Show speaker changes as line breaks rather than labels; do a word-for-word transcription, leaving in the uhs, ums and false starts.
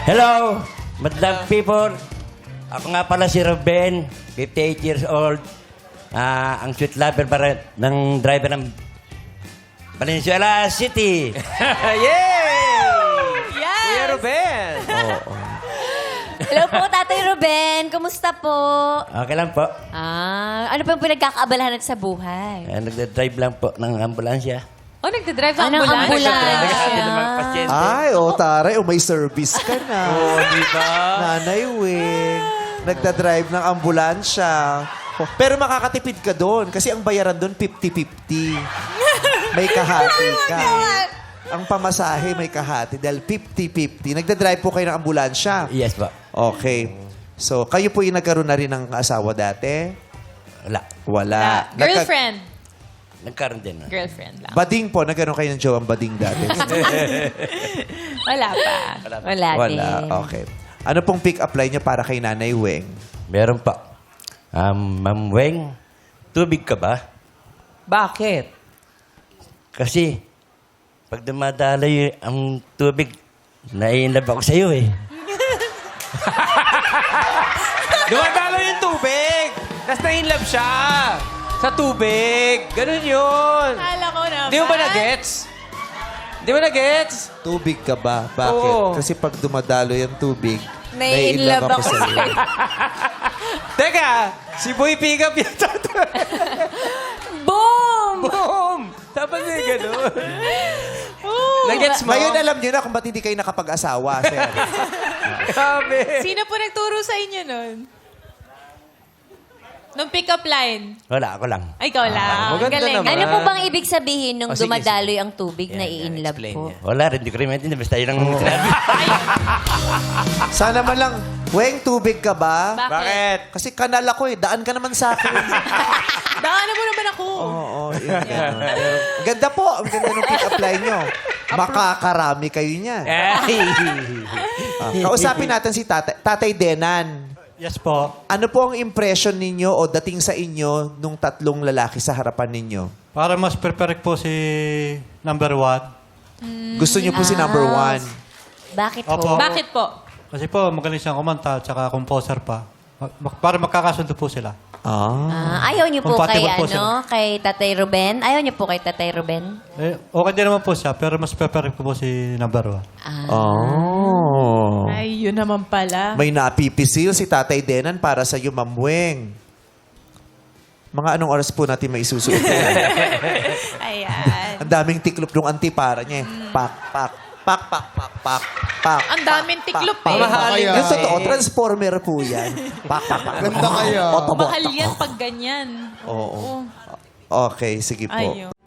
Hello, madlang people. Ako nga pala si Ruben, fifty-eight years old. Ah, ang sweet lover para ng driver ng Valenzuela City.
Yay!
Yes!
Kuya Ruben!
Oo.
Hello po, Tatay Ruben. Kumusta po?
Okay lang po.
Ah, ano pa yung pinagkakaabalahan natin sa buhay?
Ah, nagda-drive lang po ng ambulansya.
Oh, nagdadrive ng
Anong
ambulance?
ambulance?
Naghahatid ng mga pasyente.
Ay, oh, taray. Oh, may service ka na.
Oo, di ba?
Nanay Wing. Nagdadrive ng ambulansya. Oh, pero makakatipid ka doon kasi ang bayaran doon fifty-fifty. May kahati ka. Ang pamasahe may kahati dahil fifty-fifty. Nagdadrive po kayo ng ambulansya.
Yes po.
Okay. So, kayo po yung nagkaroon na rin ng asawa dati?
Wala.
Wala.
Ah,
Nagka-
girlfriend.
Nagkaroon din. ah.
Girlfriend lang.
Bading po. Nagkaroon kayo ng jowang bading dati?
Wala pa.
Wala,
Wala.
din.
Okay. Ano pong pick-up line niyo para kay Nanay Weng?
Meron pa. Um, Ma'am Weng, tubig ka ba?
Bakit?
Kasi, pag dumadaloy ang tubig, naiinlove ako sa'yo eh.
Dumadalo yung tubig! Tapos na-inlove siya! Sa tubig! Ganun yun!
Kala ko naman.
Di mo ba na-gets? Di mo na-gets?
Tubig ka ba? Bakit?
Oo.
Kasi pag dumadalo yung tubig,
Nai-inlove ako
sa'yo.
Teka! Si Boy Pick Up yung
Boom!
Boom! Dapat na yung ganun. Na-gets mo?
Ngayon alam niyo na kung ba't hindi kayo nakapag-asawa, sir.
Grabe!
Sino po nagturo sa inyo nun? Nung pick-up line?
Wala, ako lang.
Ay, ikaw lang.
maganda
Galing.
naman.
Ano po bang ibig sabihin nung
Oh, sige,
dumadaloy ang tubig na
Yan, yan,
i-inlove
explain
po?
niya.
Wala rin, hindi ko rin maintindihan. Basta yun ang sinabi.
Sana man lang, Weng, tubig ka ba?
Bakit?
Bakit?
Kasi kanal ako eh. Daan ka naman sa akin.
Daanan mo naman ako.
Oo, yun. yun. Ang ganda po. Ang ganda ng pick-up line nyo. Makakarami kayo niyan.
Ay!
Ah, kausapin natin si Tatay, Tatay Denan.
Yes po.
Ano po ang impression ninyo o dating sa inyo nung tatlong lalaki sa harapan ninyo?
Para mas perfect po si number one.
Gusto niyo po si number one.
Bakit
Opo.
po?
Bakit po?
Kasi po, magaling siyang kumanta at saka composer pa. Ma- ma- Para magkakasundo po sila.
Ah.
Ah, ayaw niyo po kay,
Compatible po
ano,
sila.
kay Tatay Ruben? Ayaw niyo po kay Tatay Ruben?
Eh, okay din naman po siya, pero mas perfect po si number one.
Ah.
Oh.
Ay, yun naman pala.
May napipisil si Tatay Denan para sa iyo, Ma'am Weng. Mga anong oras po natin may isusuot?
Ayan.
Ang daming tiklop ng antipara niya. eh. Pak, pak, pak, pak, pak, pak, pak.
Ang daming tiklop eh.
Mamahalin
Yung
kasi.
totoo, transformer po yan. Pak, pak, pak. Ganda kaya.
Mahal yan pag ganyan.
Oo.
Oo.
Okay, sige po.
Ayun.